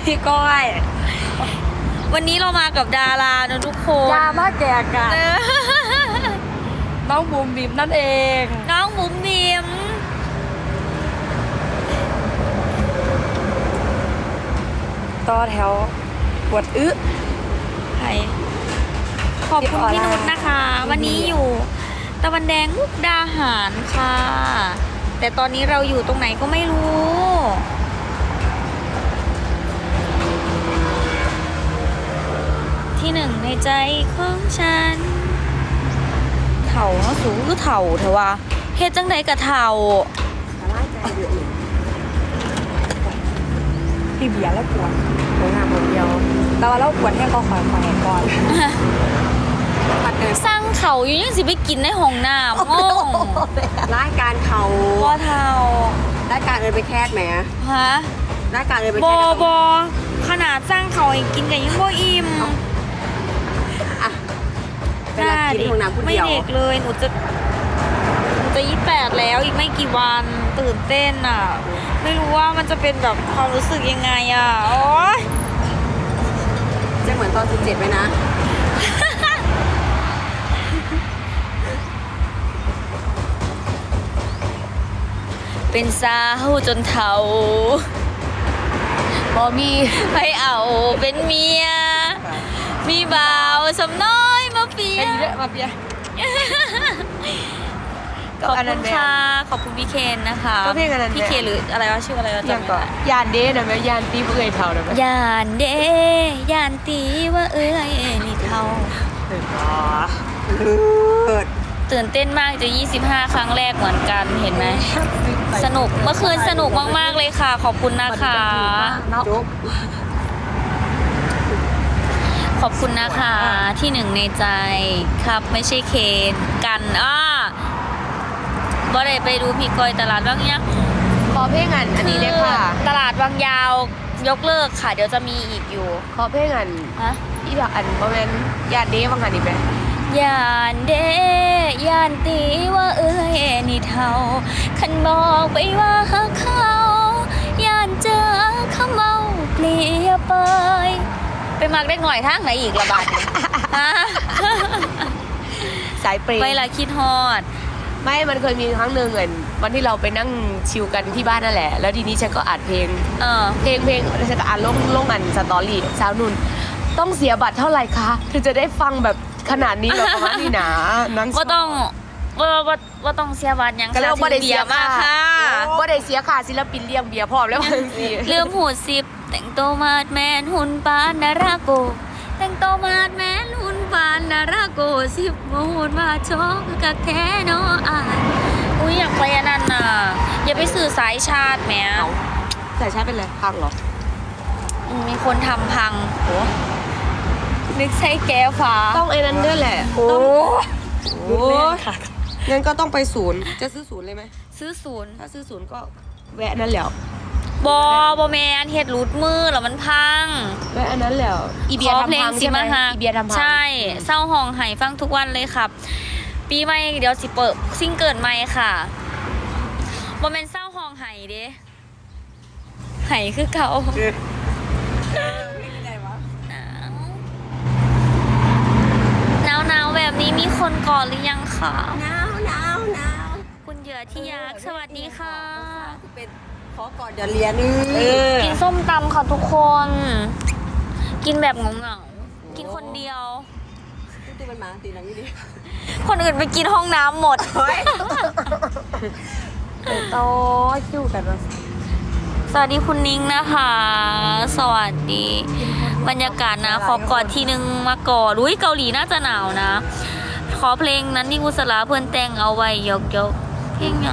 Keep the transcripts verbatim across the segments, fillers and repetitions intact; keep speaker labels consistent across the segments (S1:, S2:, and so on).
S1: พี่ก้อย
S2: วันนี้เรามากับดารานะทุกคน
S1: ยามาแก่กันน้องบูมบิมนั่นเอง
S2: น้องบุ๋มบิม
S1: ต่อแถวปวดอึ
S2: ใครขอบคุณพี่นุชนะคะ วันนี้อยู่ตะวันแดงมุกดาหารค่ะ แต่ตอนนี้เราอยู่ตรงไหนก็ไม่รู้ ที่หนึ่งในใจของฉันเถ่าเนาะสูงคือเถ่าเถอะวะเฮ็ดจังใดกับเถ่า
S1: พี่เบียร์แล้วปวดหัวงามหมดเดียวแต่ว่าเราปวดแห้งก็ขอขอแห้งก่อน
S2: สร้างเขาอยู่ยังสิไปกินในห้องน้ำงง
S3: รายการเขา
S2: บ่เท่าร
S3: ายการเอินไปแคสไหม
S2: ฮะ
S3: รายการเอินไป
S2: บ
S3: แค
S2: อ
S3: ส
S2: บอขนาดสร้างเขาให้กินกันยังบ่อิ่ม
S3: อ่ะเป็นรักกินของน้ำผู้
S2: ไม่
S3: เดียว
S2: เด็กเลยหนูจะหนูจะยี่สิบแปดแล้วอีกไม่กี่วันตื่นเต้นอ่ะ ไม่รู้ว่ามันจะเป็นแบบความรู้สึกยังไงอ่ะโอ๊ย
S3: จะเหมือนตอนสิบเจ็ดไหมนะ
S2: เป็นสาวจนเฒ่า
S1: บอมี
S2: ให้เอาเป็นเมีย มีบ่าวสำน้อยมาเปีย
S1: ไอ้เยอะมาเปีย
S2: ขอบคุณค่ะขอบคุณพี่เคนนะคะ
S1: ก็เพลงอันนั้น
S2: พี่เคนหรืออะไรวะชื่ออะไรวะ
S1: ยัง
S2: จำ
S1: ก่
S2: ไม่
S1: อน
S2: ได้
S1: ยานเด้นะแม่ยานตีเพื่อยเท่านะแม่
S2: ยานเดยานตีว่าเอ้ยนี่เท่า
S1: เห็นปะ
S3: เปิด
S2: ตื่นเต้นมากจะยี่สิบห้าครั้งแรกเหมือนกันเห็นไหมสนุกเมื่อคืนสนุกมากๆเลยค่ะ ขอบคุณนะคะ
S3: จุ๊บ
S2: ขอบคุณนะคะที่หนึ่งในใจครับไม่ใช่เคนกันอ้าบ่ได้ไปดูพี่ก้อยตลาดบางยัง
S1: ขอเพลงอันอันนี้เลยค่ะ
S2: ตลาดบางยาวยกเลิกค่ะ เดี๋ยวจะมีอีกอยู่
S1: ขอเพลงอัน
S2: ฮะ
S1: อีดอกอันประมาณยานเด้บางอันนี่ไหม
S2: ยานเดยานตีว่าเอ้ยนี่เท่าคันบอกไปว่าหักเขายานเจอเขาเมาเปลี่ยไปไปมักได้หน่อยทางไหนอีกละบาดนี้ ฮะ
S1: สายเปรย์
S2: ไปละคิดฮอด
S1: ไม่มันเคยมีครั้งหนึ่งเหมือนวันที่เราไปนั่งชิลกันที่บ้านนั่นแหละ แล้วทีนี้ฉันก็อัดเพลง
S2: เออ
S1: เพลงเพลงฉันก็อ่านลงลงอันสตอรี่สาวนุ่นต้องเสียบัตรเท่าไหร่คะเธอจะได้ฟังแบบขนาดนี้เหรอประมาณนี้นะนั่ง
S2: ว่าต้องว่าว่าว่าต้องเสียบัตรหยัง
S1: ก็เรียกว่าบ่ได้เสีย
S2: มากค่ะ
S1: ว่าได้เสียค่าศิลปินเลี้ยงเบียร์พร้อมแล้วบางที
S2: เรื่องหูสิบแต่งตัวมาดแมนหุ่นปานนาราโก แต่งตัวมาดแมนหุ่นปานนาราโกสิบโมหุ่นมาโชกกับแท้เนาะอายอุ้ยอยากไปอันนั้นน่ะอย่าไปสื่อสายชาติแหม
S1: แต่ใช้เป็นอะไรพังเหรอ
S2: อืมมีคนทำพังโอ้นึกใช่แก้วฟ้า
S1: ต้องไอ้นั้นด้วยแหละ
S2: โอ้
S1: โอ้งั้นก็ต้องไปศูนย์จะซื้อศูนย์เลยไหม
S2: ซื้อศูนย์
S1: ถ้าซื้อศูนย์ก็แวะนั่นแหละ
S2: บอบอแมนเฮ็ดรูดมือแล้วมันพัง
S1: แวะอันนั้นแหละอีเบียร์
S2: ขอ
S1: ทำ
S2: เพลง
S1: พัง
S2: สิ
S1: ใช่ไหม
S2: มาฮะ
S1: อีเบียร์ทำพัง
S2: ใช่เศร้าห้องไห้ฟังทุกวันเลยครับ ปีใหม่เดี๋ยวสิเปิดซิงเกิลใหม่ค่ะบอแมนเศร้าห้องไห้เด้ไห้คือเก่าหนาวหนาวๆแบบนี้มีคนก่อนหรือยังคะ
S3: หนาวหนาวหนาว
S2: คุณเหยื่อที่ยักษ์สวัสดีค่ะ
S3: เป็นขอก่อนเดี๋ยวเรียนเออ
S2: กินส้มตำค่ะทุกคน กินแบบเหงาๆกินคนเดียว
S3: ที่มันมาตีหลังนี่ดิ
S2: คนอื่นไปกินห้องน้ำหมด
S1: โตคิวกันมา
S2: สวัสดีคุณนิ้งนะคะ สวัสดี บรรยากาศนะ ขอกอดทีนึงมาก่อนอุ้ยเกาหลีน่าจะหนาวนะ ขอเพลงนั้นที่กุศลาเพื่อนแต่งเอาไว้ยกยกๆเพลงยัง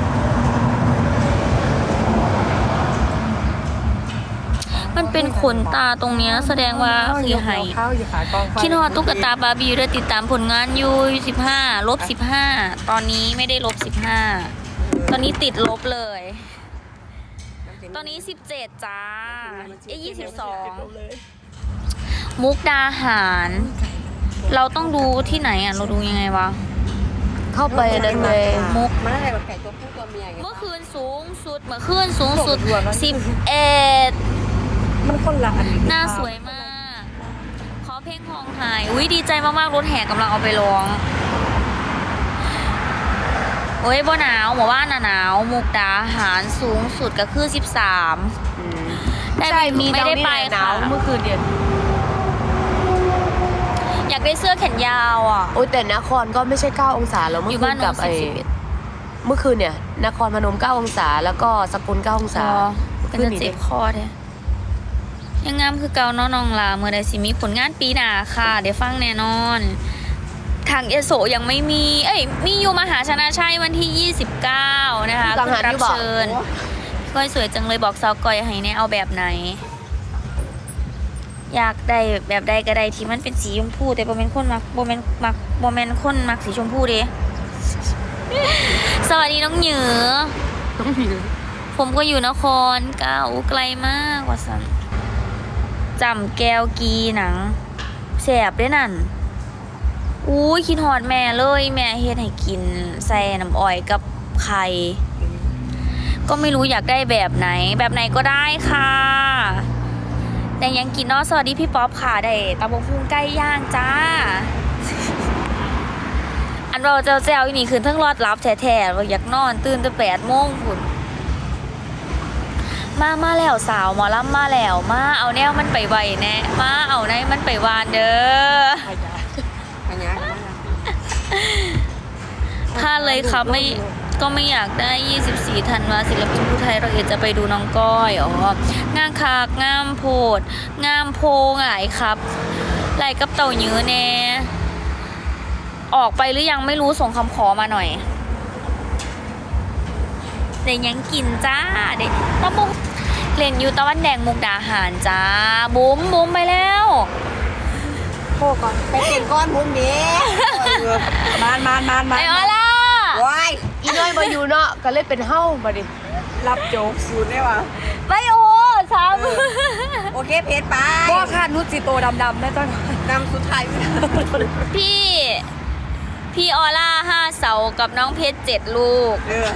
S2: มันเป็นขนตาตรงเนี้ยแสดงว่าคือไห้
S1: ข้าวอยู่ขากองไฟ
S2: คิดฮอดตุ๊กตาบาร์บี้ด้วยติดตามผลงานอยู่สิบห้าลบสิบห้าตอนนี้ไม่ได้ลบสิบห้าตอนนี้ติดลบเลย ตอนนี้สิบเจ็ดจ้าเอ้ยี่สิบสองมุกดาหาร เราต้องดูที่ไหนอ่ะ เราดูยังไงวะ
S1: เข้าไปนั่นเลย
S2: มุก
S3: มันอะไรแบบไก่ตัวผู้ตัวเมียไง
S2: เมื่อคืนสูงสุดเมื่อคืนสูงสุดสิบเอ็ด
S3: มันคนละอัน
S2: หน้าสวยมาก ขอเพลงของหายอุ้ยดีใจมากๆรถแห่กำลังเอาไปร้องโอ้ยบ่หนาวหมู่บ้านน่ะหนาวมุกดาหารสูงสุดก็คือสิบสามได้
S1: ใช่มี
S2: ไม่ได้ไป
S1: หนา
S2: ค่ะ
S1: วเมื่อคืนเดียว
S2: อยากได้เสื้อแขนยาวอ่ะ
S1: โอ้ยแต่นครก็ไม่ใช่เก้าองศาแล้ว
S2: อ
S1: เมื่
S2: ยู่
S1: อคื
S2: บ้าน
S1: น
S2: หนู
S1: กับ
S2: สิ
S1: ไอ้
S2: บสิบเอ็ด
S1: เมื่อคืนเนี่ยนครพนมเก้าองศาแล้วก็สกลเก้าองศา
S2: อ๋อเป็นจะเจ็บคอแท้ยังงามคือเกาเนาะน้องลาเมื่อใดสิมีผลงานปีหน้าค่ะ เดี๋ยวฟังแน่นอน ทางเอโซยังไม่มี เอ้ย มีอยู่มหาชนะชัยวันที่ยี่สิบเก้านะคะ
S1: กังหัน
S2: รั
S1: อยู่บอก
S2: เชิญก้อยสวยจังเลยบอกสาวก้อยให้แน่เอาแบบไหน อยากได้แบบใดก็ได้ที่มันเป็นสีชมพูแต่บ่แม่นคนมักบ่แม่นมักบ่แม่นคนมักสีชมพูเด้ สวัสดีน้องเหนือ
S1: ต้องมี
S2: ผมก็อยู่นครเก้าไกลมากว่าสันจำแก้วกีหนังแสบด้วยนั่นอู้ยคิดหอดแม่เลยแม่เฮ็ดให้กินใส่น้ำอ้อยกับไข่ก็ไม่รู้อยากได้แบบไหน แบบไหนก็ได้ค่ะแต่ยังกินเนาะสวัสดีพี่ป๊อปค่ะได้ตำบกพุงไก่ย่างจ้า อันเราเจ้าแจ้วอีนี่คืนทั้งรอดรับแท้ๆว่าอยากนอนตื่นแต่แปดโมงพุ่นมามาแล้วสาวหมอลำมาแล้วมาเอาแนวมันไปไวแน่มาเอาในมันไปวานเด้อ
S3: อันนี้
S2: ถ้าเลยครับไม่ก็ไม่อยากได้ยี่สิบสี่ธันวาศิลปินผู้ไทยเราเองจะไปดูน้องก้อยอ๋องามคักงามโพดงามโพหงายครับไหลกับเต่ายื้อแน่ออกไปหรือยังไม่รู้ส่งคำขอมาหน่อยเดี๋ยวยังกินจ้าเด็กตะบุ้งเล่นอยู่ตะวันแดงมุกดาหารจ้าบุ้มบุ้มไปแล้ว
S3: โคก่อนไปเป็นก้อนบุ้มเด้มานมานมานมา
S2: ไอ้ออล่ะ
S3: ว้าย
S1: อีน้อยมาอยู่เนาะก็เลยเป็นเฮ้ามาดิ
S3: รับโจ๊กสูตรได้ปะ
S2: ไม่โอ้ช้
S3: โอเคเพจไป
S4: พ่อค่ะนุชจิโตดำๆนะจ๊ะ
S3: นำสุดท้าย
S2: ำพี่ พี่ออล่าห้าเสากับน้องเพชรเจ็ดลูก
S3: เออ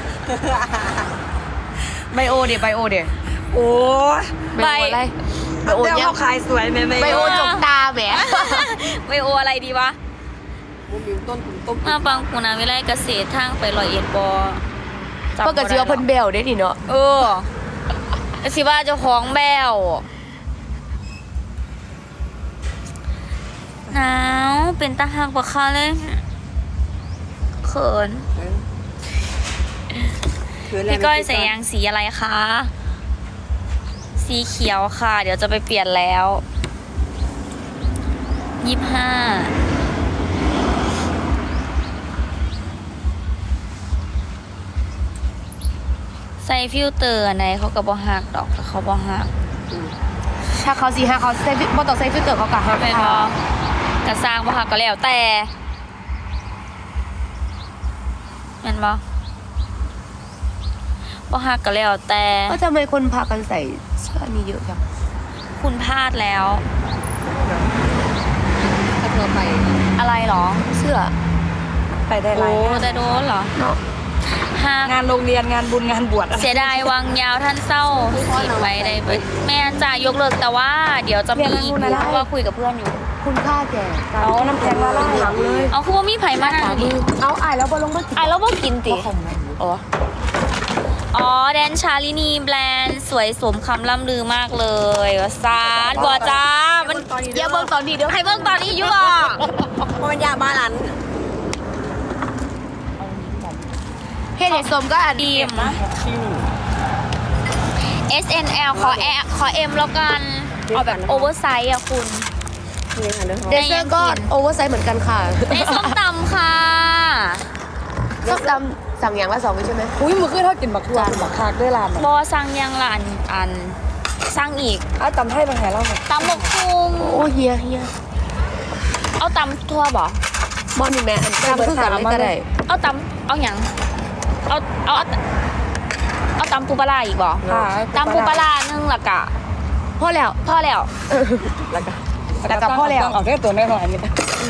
S1: ไบโอเดี๋ยวไบโอเดี๋ยว
S4: โอ้
S1: ไบโออะไรไบโอ
S4: เดี๋ยว
S1: เนี่ย
S4: เขาขายสวยไหมไหม
S1: ไบโอจกตาแหม
S2: ไวโออะไรดีวะ
S3: บุ้มอยู่ต้นขุนต้ม
S2: มาปังกูนาวิไลเกษตรทางไปลอยเอ็ดบอจำ
S1: เพื่อกระเจียวเพิ่นเบลได้ดิเนาะ
S2: เออแล้วสิว่าเจ้าของแบวหนาวเป็นตาหักกว่าเขาเลยเขิน พี่ก้อยใส่ยางสีอะไรคะ สีเขียวค่ะ เดี๋ยวจะไปเปลี่ยนแล้วยี่ห้าใส่ฟิลเตอร์อันไหนเขาก็บ่หักดอกแต่เขาบ่หัก
S1: ถ้าเขาสีห้าเขาใส่บ่ต้องใส่ฟิลเตอร์เขากะฮัก
S2: เป็นบ่กระสร้างบ่หักก็แล้วแต่เป็นบ่บ่หักก็แล้วแต่
S1: ก็ทำไมคนพากันใส่เสื้อนี้เยอะจัง
S2: คุณพลาดแล้ว
S3: ถ้าเธอไป
S2: อะไรหรอ
S1: เสื้อ
S4: ไปได้หลา
S2: โอ้
S4: ยงาน
S2: แต่โดนเหรอ
S1: เนาะ
S2: หัก
S4: งานโรงเรียนงานบุญงานบวชอะไร
S2: เสียดายวังยาวท่านเศร้าสีไปได้เบิดแม่จ่ายยกเลิกแต่ว่า เดี๋ยวจะมีอีกอยู่เพราะว่าคุยกับเพื่อนอยู่
S1: คุณค่าแก่การ
S4: เอาน้ำแข็งละลาย
S1: ถังเลย
S2: เอาคือว่ามีไผ่มานั่งดิ
S1: เอาอ่ายแล้วบอลงมากิน
S2: อ่ะแล้วบ่กินติ
S1: อ๋อ
S2: อ๋อแดนชาลินีแบรนด์สวยสมคำล่ำลือมากเลยว่าซานบอจ้ามัน
S1: อย่าเบิ่งตอนนี้เดี๋ยว
S2: ให้เบิ่งตอนนี้อยู่อ่ะ
S3: เพราะมันยาบ้านหลัน
S1: เฮ็ดให้สมก็อัน
S2: ดี
S1: ดี
S2: ม เอส เอ็น แอล ขอแอขอ M แล้วกัน เอาแบบโอเวอร์ไซส์อ่ะคุณ
S3: นี่ค่ะเด้อ
S1: เดซเซอร์ก็โอเวอร์ไซส์เหมือนกันค่ะ
S2: ในส้มตำค่ะ
S1: ส้มตำสั่งอย่างละสองใช่ไหม
S4: อุ้ยมือขึ้นเท่ากินบักทวนบักคากด้วยลาน
S2: บอสั่งยังละอันอันสั่งอีก
S4: อ้าวตำให้บางแห่เล่าหน่อย
S2: ตำหมกคุง
S1: โอ้เฮียเฮีย
S2: เอาตำทั่วบ่
S1: มอนนี่แม่อันตำคือกันเลยก็ได้
S2: เอาตำเอาหยังเอาเอาเอาเอาตำปูปลาร้าอีกบ่
S4: ค่ะ
S2: ตำปูปลาร้าหนึงละกะ
S1: พอแล้ว
S2: พอแล้ว
S4: แล้วก็
S1: แล้วก็พ่อแล้ว
S4: เอาแค่ตัวไม่หน่อยนี่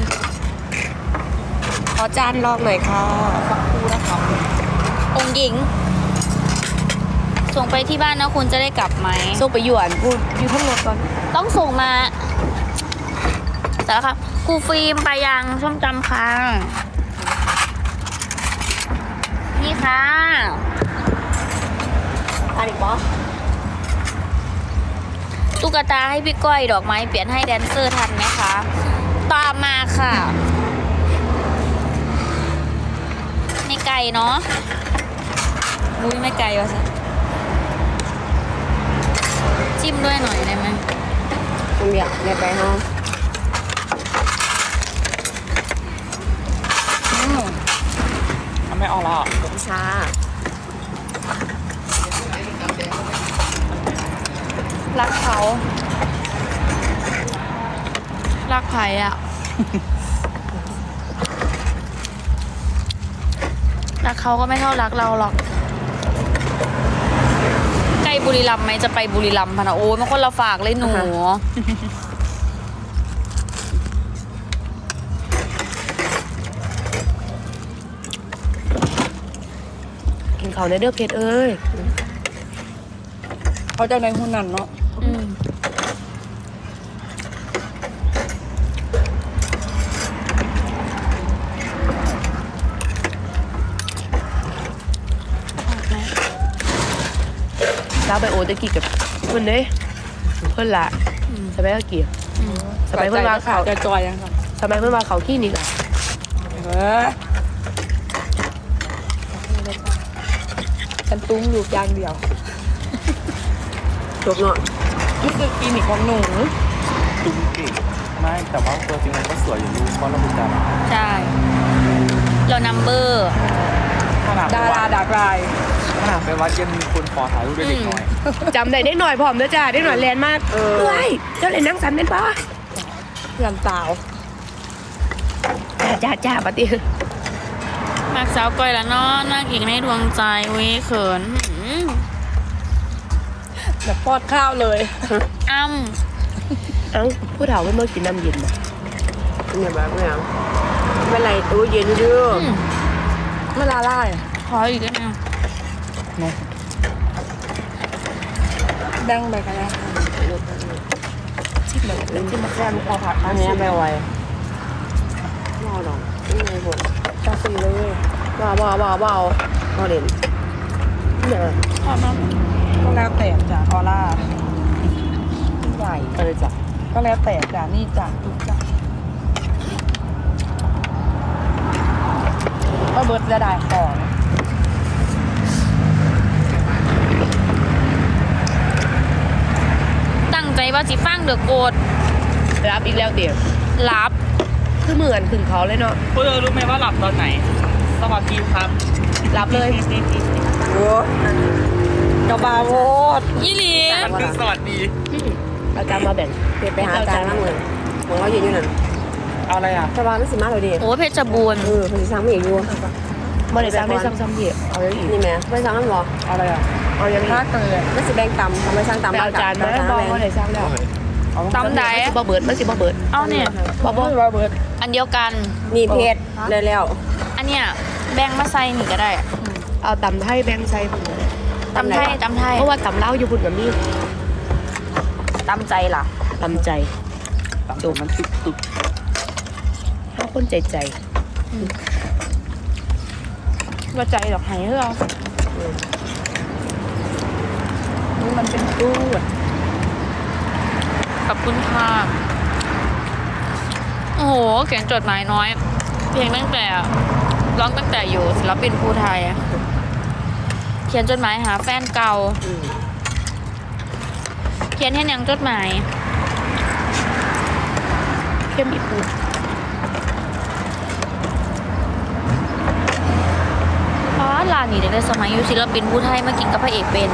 S1: ขอจานลองหน่อยค่ะ
S2: องค์หญิง สส่งไปที่บ้านนะคุณจะได้กลับไหม
S1: ส่งไปหยวนพูดอยู่ทั้งรถก่อน
S2: ต้องส่งมาแต่ละค่ะครูฟิล์มไปยังส้มตำค่ะนี่ค่ะ
S3: อันอีกบอส
S2: ตุ๊กตาให้พี่ก้อยดอกไม้เปลี่ยนให้แดนเซอร์ทันไหมคะ ตามมาค่ะไม่ไกลเนาะอุ้ยไม่ไกลวะสิจิ้มด้วยหน่อยได้ไหม
S3: คุณเบียร์ในไปห้อง
S4: ทำไม่ออกแล้ว
S3: ชา
S2: รักเขา รักใครอะรักเขาก็ไม่เท่ารักเราหรอกใกล้บุรีรัมย์ไหมจะไปบุรีรัมย์พะนะโอ้ยมันคนละฝากเลยหนู
S1: กินข้าวในเด้อเพชรเอ้ย
S4: เขาจะในหุ้นนั่นเนาะ
S2: อืมไหม
S1: สาวไปโอตะกี้กับเพื่อนเด้เพื่อนละ
S2: อืม
S1: สมัยตะกี้
S2: อืม
S1: สมัยเพื่อนว่าเขา
S4: จะจอยยังครับ
S1: สมัยเพื่อนว่าเขาขี้นี่กะ
S4: เออฉันตุ้งอยู่อย่างเดียว
S3: จบเนาะ
S4: นี่คือคลินิกของหนู
S5: ตุ้งเก่งไม่แต่ว่าตัวจริงมันก็สวยอยู่ดีเพราะเราเป็นดารา
S2: ใช่ เรานัมเบอร์
S5: ขนาด
S4: ดา
S5: ไป
S4: รา
S5: วัด
S4: ดากลาย
S5: ขนาดไปวัดยังมีคนขอถ่ายรูปด้วยเด็กน้อย
S1: จำได้ได้หน่อยพร้อมเด้อจ้าได้หน่อยแลนมากเอ้ยเจ้าเล่นนังสันเป็นปะ
S4: เพื่อนสาว
S1: จ้าจ้าจ้าปะติ
S2: มากสาวก้อยละเนาะนางเอกในดวงใจเว้ยเขินหืม
S4: แบบปอดข้าวเลย
S2: อ้ำ
S1: เอ้าผู้เฒ่าไม่เมื่อกินน้ำเย็นบ่
S3: เนี่ยแบบเนี่ยเป็นไรตู้เย็นอยู่
S2: อืม
S4: เวลาไล่
S2: ขออีกได้ไหม
S4: แบ่งไปกันแล้ว
S1: ชิมเลยชิมมาแค่ลูกคอผัด
S3: อันนี้ไปไวรอดอกนี่ไงผม
S4: กาแฟเลย
S3: ว้าวว้าวว้าวว้าวรอเด่น
S1: เนี่ย
S2: ขอมา
S4: ก็แล้วแต่จ้ะออร่า
S3: ใหญ่
S1: เออจ้ะ
S4: ก็แล้วแต่จ้ะนี่จ้ะทุกจ้ะก็เบิร์ดจะได้ของ
S2: ตั้งใจว่าสิฟังเดือโกด
S1: รับอีกแล้วเดี๋ยว
S2: รับ
S1: คือเหมือนถึงเขาเลยเนาะ
S4: พวกเธอรู้ไหมว่าหลับตอนไหนสวัสดีครับ
S1: รับเลย
S3: โอ้
S4: กระบาโวด
S2: ยี่หลี
S5: คือสวัสดี
S1: เอาจารย์มาแบ่ง
S3: เดี๋ยวไปหาจานนั่งเลยมองเรายืนอยู่นั่น
S5: เอาอะไรอ่ะ
S3: สบายไม่สิมาเลยดิ
S2: โอ้เพชรบูรณ์
S3: เออคุณสิสั่งไม่อีกอยู่
S1: บ่ได้ซ้ำได้ซ้ำซ้ำพี่เอาอย่างอีก
S3: นี่แม่ไม่สั่งน้ำหรอ
S4: เอาอะไรอ่ะ
S1: เอาอย่างอี
S4: ถ้าก เกิด
S3: ไม่สิแบ่งตำทำไมสั่งตำ
S1: ไปเอาจานมาบอกว่าได้ซ้ำแล้ว
S2: ตำได
S1: มันสิบ่เบิดมันสิบ่เบิด
S2: เอาเนี่ย
S1: บ่บ่
S4: ว่าเบิร์ด
S2: อันเดียวกัน
S3: นี่เพชรเลยแล้ว
S2: อันเนี้ยแบ่งมาใส่นี่ก็ได้
S1: เอาตำไทยแบ่งใส่พุ่น
S2: ตำไทยตำไทย
S1: เพราะว่าตำเล้าอยู่พุ่นกับมี
S2: ตำใจล่ะ
S1: ตำใจ
S5: ตามตัวมันตึกตึก
S1: ถ้าคนใจใจ
S2: ว่าใจดอกไห้เฮ้อ
S4: นี่มันเป็นตู้
S2: ขอบคุณค่ะโอ้โหเขียนจดหมายน้อย เพลงตั้งแต่ร้องตั้งแต่อยู่ศิลปินภูไทยอะเขียนจดหมายหาแฟนเก่า เขียนให้ยังจดหมาย
S1: เข้มอีกพุ่น
S2: เพราะว่าลานนี่ได้สมัยอยู่ศิลปินภูไทยมากินกับพระเอกเป็น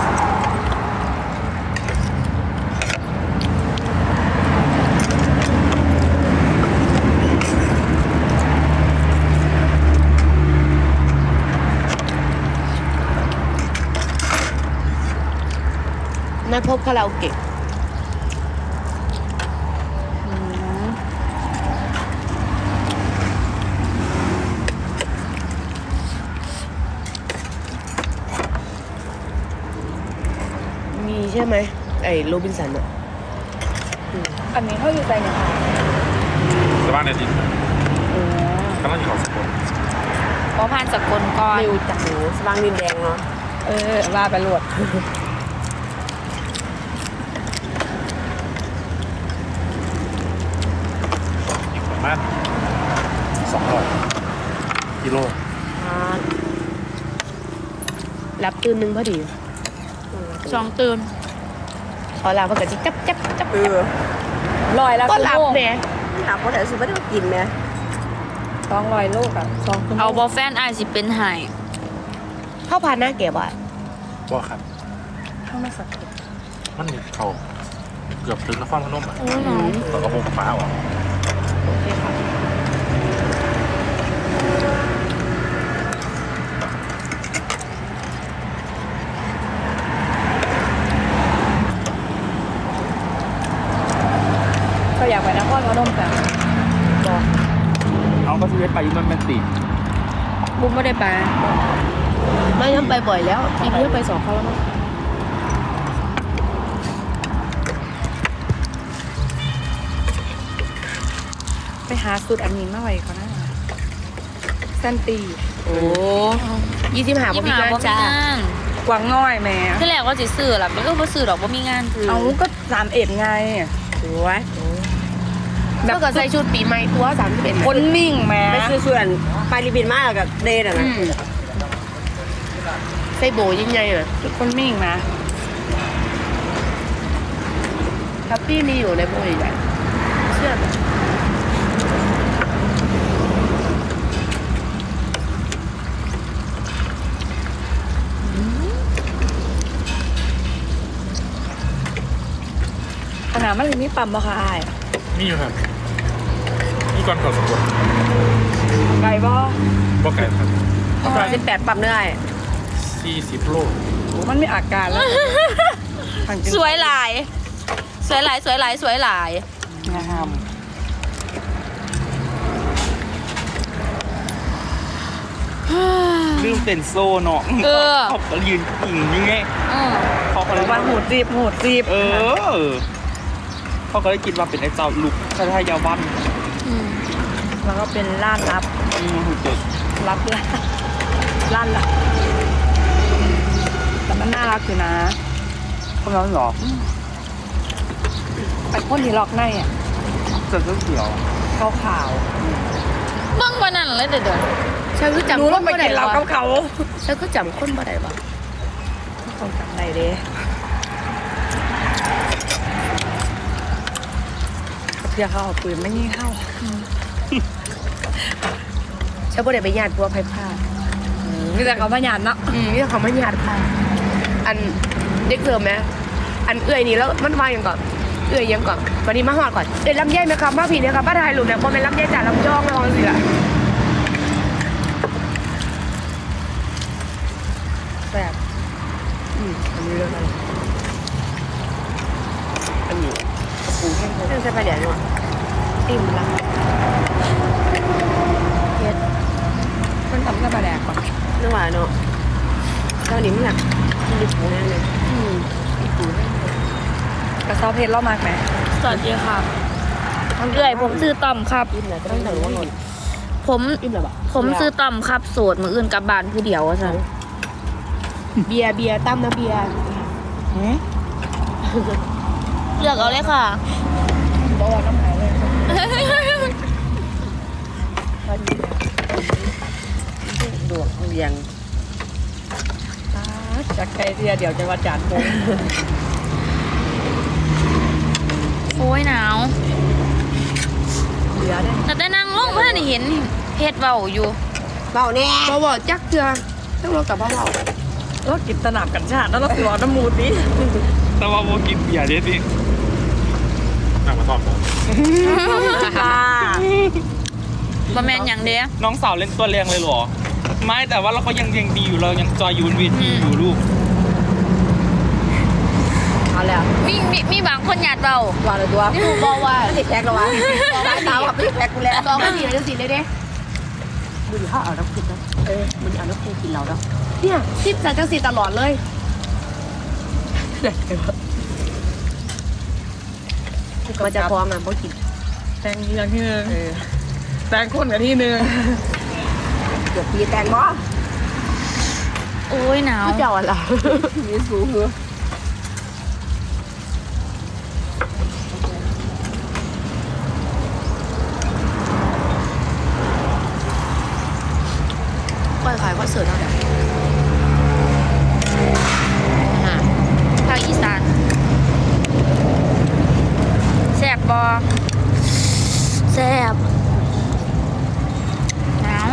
S1: นัดพบคาราโอเกะช่ไหมไอ้โรบินสันอะ
S4: อันนี้เขาอยู่ใจเนี่ยค่ะ
S5: สบ้านในดินกำลังอยู่เขาสกล
S2: เพราะผ่านสกลก่อน
S3: ไม่รู้จักหนูสว่างดินแดงเนาะ
S4: เออว่าไปโหลด
S5: อีกประมาณสองร้อยกิโล
S1: รับตื่นหนึงพอดี
S2: สองตื่น
S1: พอหลับมันก็จะจับจับจับ
S3: เออ
S4: ลอยแล้ว
S1: ก็หลับ
S4: โล
S1: แหม
S3: ถามว่าแต่ซื้อไม่ได้มากินไหม
S4: สองลอยโลกอะสองคุณ
S2: เอาบอแฟนอายสิเป็นไห้
S1: เข้าพาหน้าแก่บ่อย
S5: ว่าครับ
S4: ข้างมาสัก
S5: มันมีเขาเกือบถึงนครพนมอ่ะแล้วก็พงฟ้าอ่ะ
S1: โอเคค่ะ
S4: ก็อยากไปนครพนมแต่
S5: เอาก็ชีวิตไปมันเป็นติ
S2: บุ้มไม่ได้ไป
S1: ไม่ยังไปบ่อยแล้วปีนี้ไปสองครั้งแล้วมั้ง
S4: ไปหาสูตรอันนี้มาไว้เขานะแซนตี
S1: โอ้ยี่สิบห้า
S2: ยี่
S1: ปี
S2: ห้า
S1: กัน
S2: บ่มี
S1: จ้าง
S2: าน
S4: กวางน้อยแม่
S2: ที่แรกว่าสิซื้อล่ะมันก็บ่ซื้อดอกบ่มีงาน
S4: เอาก็สามเอ็ดไง
S3: สวย
S1: เมื่อก็ใส่ชุดปีใหม่ตัวสามสิบเอ็ด
S4: คนนิ่งแม่
S3: ไปซื้อส่วนไปรีบินมากกับเดนอ่ะนะ
S1: ใส่โบยิ่งใหญ่อะ
S4: คนมิ่งนะ
S1: ทัพปี้มีอยู่ในโบใหญ่ๆเชื่อไหม
S4: ขนาดมันเลยมีปั๊มบ่ค่ะอ้าย
S5: นี่อยู่ครับนี่ก่อนเขาสกล
S4: ไก่บ่
S5: บ่ไกลครับ
S3: ร้อยสิบแปดปั๊มเนื้อ
S5: สี่สิบโล
S4: มันมีอาการแล้วทางจริง
S2: สวยหลาย สวยหลายสวยหลายสวยหลาย
S4: นะครับ
S5: ลืมเต้นโซ่เนาะ
S2: เออ
S5: เขาก็ยืนอิงยังไง
S2: อืม
S5: เขาก็เลย
S4: วันหูจีบหูจีบ
S5: เออ เขาก็เลยคิดว่าเป็นไอ้เจ้าลูกคล้ายๆยาวัน
S2: อืม
S4: แล้วก็เป็นล้านลับ
S5: อืมหูเจ็ด
S4: รับล้านล้านลับแต่มันน่ารักอยู่นะ
S5: เขาแล้วเหรอ
S4: ไอ้พ่นที่ล็อกในอ่ะ
S5: เสื้อเขียว
S4: ขาวขาว
S2: เบิ่งวันนั้นเลยเด้อเด้อ
S1: ฉันคือ
S4: ๆ
S1: จำ
S4: รู้
S1: ค
S4: ว่าน ไป
S1: บ่ได้
S4: กินเห
S1: หร
S4: ล้า
S1: อ
S4: กับเขา
S1: ฉันคือจำคนบ่ได้วะ
S4: ต้องจำได้เด้เพื่อเขาเอาปืนไม่ยิงเข้า
S1: ฉันบ่ได้ไปญาติพัวไผ่ผ้า
S4: มีแต่เขาพยานเนาะ
S1: อืมนี่เขาไม่ญาติค่ะอันเด็กเสริมไหมอันเอื่อยนี่แล้วมันมาอย่างก่อนเอื่อยยังก่อนวันนี้มาหอดก่อนเอ้ยลำไยไหมครับมาผีเนี่ยครับป้าถ่ายรูปเนี่ยบ่แม่นลำไยจ่าลำยองนะมองสิล่ะแซ่บอืมอันนี้เรื่องอะไรอันนี้กระปูแห้ง
S3: เรื่องใช้ไปเดี๋ยวนี้
S1: ติ่มละเฮ็ด
S4: มันทำกันมาแดกก่อน
S3: นึกว่าเนาะเจ้านี้มันหนักกินดิบแน่เลย
S1: อืมอีปูแห้ง
S4: กระซอเพชรเล่ามากไหม
S2: สวัสดีครับเอื้อยผมซื้อต่อมครับ
S1: อิ่มแล้วจะต้องแต่รู้ว่าหล่น
S2: ผม
S1: อิ่มแล้วปะ
S2: ผมซื้อต่อมครับโสดมืออื่นกลับบ้านผู้เดียวว่าซั่น
S1: เบียร์เบียร์ตั้มนะเบียร์
S2: เลือกเอาเลยค่ะ
S4: บอกว่าน้ำหายเลย
S3: ดวกเรียง
S4: จากใครเทียเดี๋ยวจะว่าจานโปง
S2: โอ้ยหนาว
S4: เหลือได้
S2: แต่แต่นั่งลงเพื่อนเห็นเฮ็ดเบาอยู่
S3: เบาแน่
S1: บ่บอกจักเถื่อต้องรอกับพ่อบอก
S4: แล้วกินสนับกันชาติแล้วเราสิรอน้ำมูดดิ
S5: แต่ว่าโมกินเบียร์เด็ดดินั่งมาทอดผม
S3: ค่ะ
S2: บ่แม่นหยังเด้
S5: น้องสาวเล่นตัวแรงเลยเหรอ ไม่แต่ว่าเราก็ยังยังดีอยู่เรายังจอยยูนวีทีอยู่ลูก
S3: เอาแล้ว
S2: มีมีมีบางคนหยาดเบา
S3: ว่าเลยตัว
S1: กูบอกว่า
S3: ติดแพ็กแล้ววะร้านสาวกับพี่แพ็กกูแล้ว
S1: สองนาทีแล้วจะสิเลยเด้
S3: มึงเขาเอาน้ำกินนะเออมึงเอาน้ำกินกินเราแล้ว
S1: เนี่ยซิปจากจังสีตลอดเลยมันจะฟ้องอ่ะเพราะกิน
S4: แตงอย่างที่หนึ่งแตงข้นกับที่หนึ่ง
S3: เกือบปีแตงบ่
S2: โอ้ยหนาว
S1: เจ้าอะไร
S3: มีสูงเหรอ
S1: ก้อยขายก็เสิร์ฟแล้วเนี่ยอ่า
S2: ภาคอีสานแซ่บบอแซ่บหนาว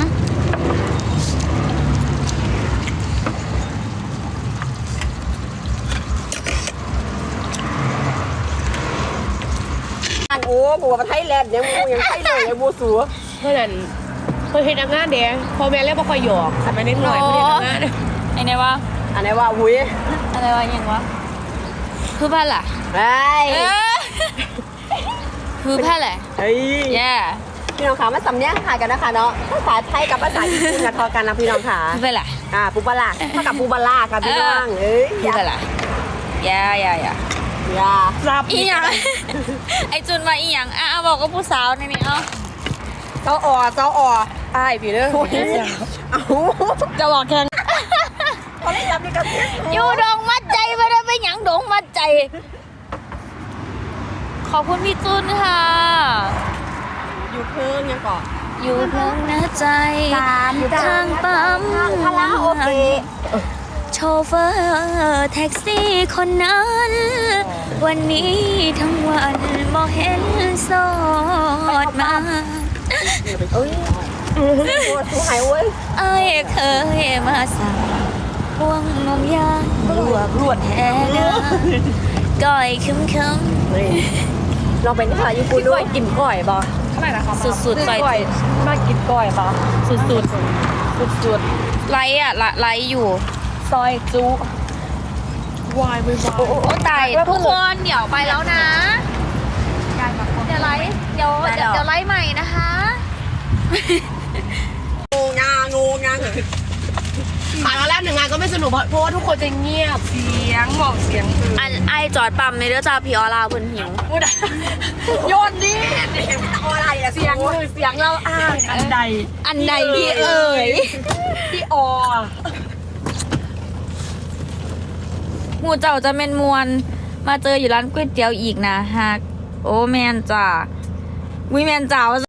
S3: อันโอ้บัวประไทยแลนด์ยังมูยังไทยเลยยังมูสัว
S1: เพราะนั้นเพิ่นเฮ็ดงานเด้พ่อแม่เรียกบ่ค่อยหยอกคันมาเน้นหน่อยเพิ่นเฮ็ดงาน
S2: ไอ้เนี่ยว่า
S3: อันไหนว่าอุ้ย
S2: อะไรวะยังวะคือผ้าล่ะ
S3: เฮ้ย
S2: เออคือผ้าแหละ
S3: เฮ้ย
S2: แย่
S3: พี่น้องขามาสำเนียงขายกันนะคะเนาะภาษาไทยกับภาษาญี่ปุ่นกับทอกันนะพี่น้องขา
S2: คือผ้าแหละ
S3: อ่าปูปลาร้าเท่ากับปูปลาร้าค่ะพี่น้องเอ้ย
S2: คือผ้าแหละแย่แย่แย่
S3: อย่า
S2: อีหยัง ไอจุนมาอีหยังอ่ะเอาบอกกับผู้สาวในนี้เอา
S3: เจ้าอ่อเจ้าอ่อ
S1: อ้ายพี่เด้อ
S3: เอ้า
S2: จะบอกแข่ง
S3: เขาได้รับนี่กัน
S2: อยู่ดงมัดใจไม่ได้ไปหยังดงมัดใจ ขอบคุณพี่จุนค่ะ
S3: อยู่เพิ่งยังก่อน
S2: อยู่เพิ่งหน้าใจอยู่ทางปั๊ม
S3: คาราโอเกะ
S2: โชเฟอร์แท็กซี่คนนั้น วันนี้ทั้งวันบ่เห็นโสดมา
S3: เอ้ยปวดสูหายเว้ย
S2: ไอ้ายเคยมาสั่งพวงนมยางลวกรวดแท้เนื้อก้อยคึมคึม
S3: ลองเป็นภาษาญี่ปุ่นด้วยกินก่อยบ่
S4: เท่าไหร่นะคะ
S2: สุดสุดๆไป
S4: ก้อยมากินก้อยปะ
S2: สุดสุด
S4: สุดสุด
S2: ๆไลฟ์อ่ะละไลฟ์อยู่
S4: ซอยจุวายไปวาย
S2: โอ้ตายทุกคนเดี๋ยวไปแล้วนะ เดี๋ยวไลฟ์เดี๋ยวเดี๋ยวเดี๋ยวไลฟ์ใหม่นะคะ
S3: งูงางูงา
S1: ผ่านมาแล้วหนึ่งงานก็ไม่สนุกเพราะเพราะว่าทุกคนจะเงียบ
S4: เสียงบอกเสียงคือ
S2: อันไอจอดปั๊มในเรือจ้าพี่ออลาเพิ่นหิว
S4: โยนดิ
S3: อะไรอะ
S4: เสียงคือเสียงเราอ้างอันใด
S2: อันใดพี่เอ๋ย
S4: พี่ออ
S2: หมูเจ้าจะเมนมวน มาเจออยู่ร้านก๋วยเตี๋ยวอีกนะฮักโอ้แมนจ้าวิแมนจ้า